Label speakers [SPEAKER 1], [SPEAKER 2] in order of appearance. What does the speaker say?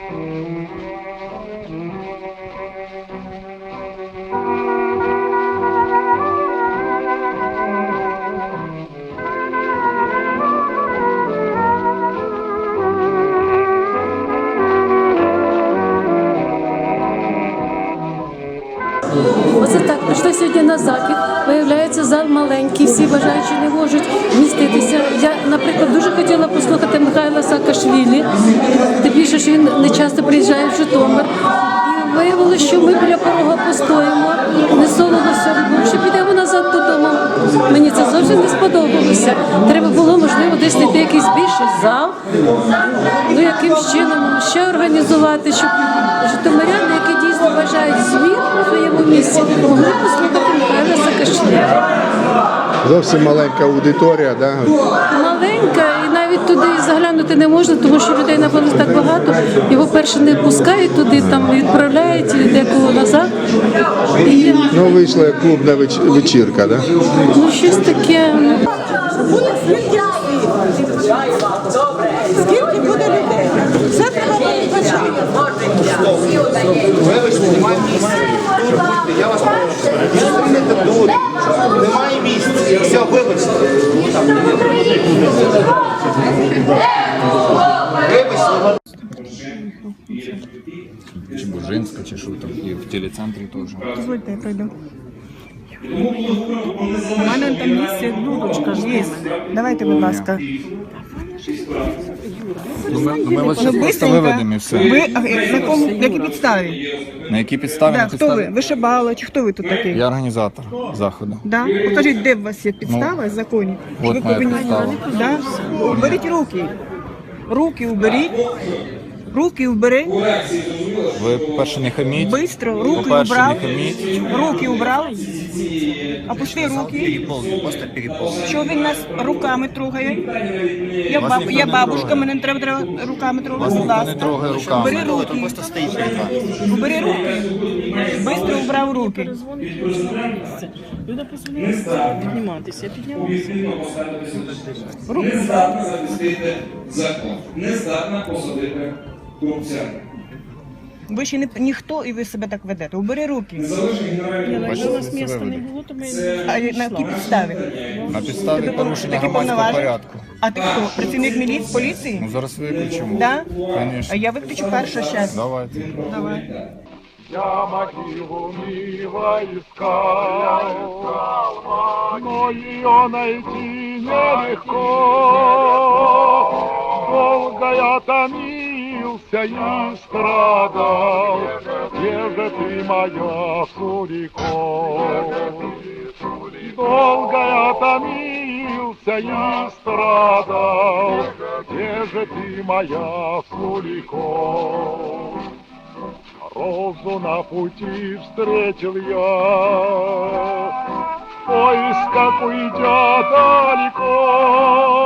[SPEAKER 1] Оце так, прийшли сьогодні на захід, виявляється, зал маленький, всі бажаючі не можуть вміститися. Я, наприклад, дуже хотіла послухати Михайла Саакашвілі, тим більше, що він не часто приїжджає в Житомир. І виявилося, що ми біля порога постоїмо, не солоно все, що підемо назад додому. Мені це зовсім не сподобалося. Треба було, можливо, десь знайти якийсь більший зал, ну якимсь чином ще організувати, щоб житомиряни, які дійсно бажають змін у своєму місці, могли послухати Михайла Саакашвілі.
[SPEAKER 2] Зовсім маленька аудиторія, да?
[SPEAKER 1] Маленька, і навіть туди заглянути не можна, тому що людей напевно так багато. Його перше не пускають туди, там відправляють декого назад. І...
[SPEAKER 2] Ну, вийшла як клубна вечірка, да?
[SPEAKER 1] Ну, щось таке.
[SPEAKER 3] Скільки буде людей? Все треба передбачати.
[SPEAKER 4] Я вас прошу. Немає місця. Все, вибачте.
[SPEAKER 5] Чи Бужинська, чи що там, і в телецентрі теж.
[SPEAKER 3] Дозвольте, я пройду. У мене там місце дудочка є. Давайте, будь ласка.
[SPEAKER 5] Ми вас зараз просто виведемо і все.
[SPEAKER 3] Ви на якій підставі?
[SPEAKER 5] На якій підставі?
[SPEAKER 3] Да, хто ви? Вишибала чи хто ви тут такий?
[SPEAKER 5] Я організатор заходу.
[SPEAKER 3] Да? Покажіть, де у вас є підстава, законі?
[SPEAKER 5] от
[SPEAKER 3] Ви
[SPEAKER 5] моя підстава.
[SPEAKER 3] Да? Уберіть руки. Руки уберіть. Руки убери.
[SPEAKER 5] Ви, по-перше, не хаміть.
[SPEAKER 3] Бистро. Руки
[SPEAKER 5] По-перше,
[SPEAKER 3] убрав.
[SPEAKER 5] не хаміть.
[SPEAKER 3] Руки убрав. Опусти руки. Що він нас руками трогає? Я бабушка, мене не треба руками трогати. Будь
[SPEAKER 5] Не
[SPEAKER 3] ласка.
[SPEAKER 5] трогай руками.
[SPEAKER 3] Убери руки. Убери руки. Бистро убрав руки.
[SPEAKER 6] Люди позвонили підніматися, піднялися.
[SPEAKER 3] Руки.
[SPEAKER 7] Закон не здатна посадити корупціонера.
[SPEAKER 3] Ви ще не ніхто і ви себе так ведете. Убери руки.
[SPEAKER 6] Якщо у нас міста не було, то ми
[SPEAKER 3] А на якій підставі?
[SPEAKER 5] На підставі порушення
[SPEAKER 3] Такі
[SPEAKER 5] громадського
[SPEAKER 3] повноваження?
[SPEAKER 5] порядку.
[SPEAKER 3] А ти хто? Працівник міліції, поліції?
[SPEAKER 5] Ну зараз виключимо.
[SPEAKER 3] Да? А
[SPEAKER 5] Звісно.
[SPEAKER 3] я виключу перше щас.
[SPEAKER 5] Давайте.
[SPEAKER 3] Давай.
[SPEAKER 8] Я могилу мило искал, но ее найти нелегко. Долго я томился и страдал, где же ты, моя Суриков? Долго я томился и страдал, где же ты, моя Суриков? Розу на пути встретил я, в поисках уйдя далеко.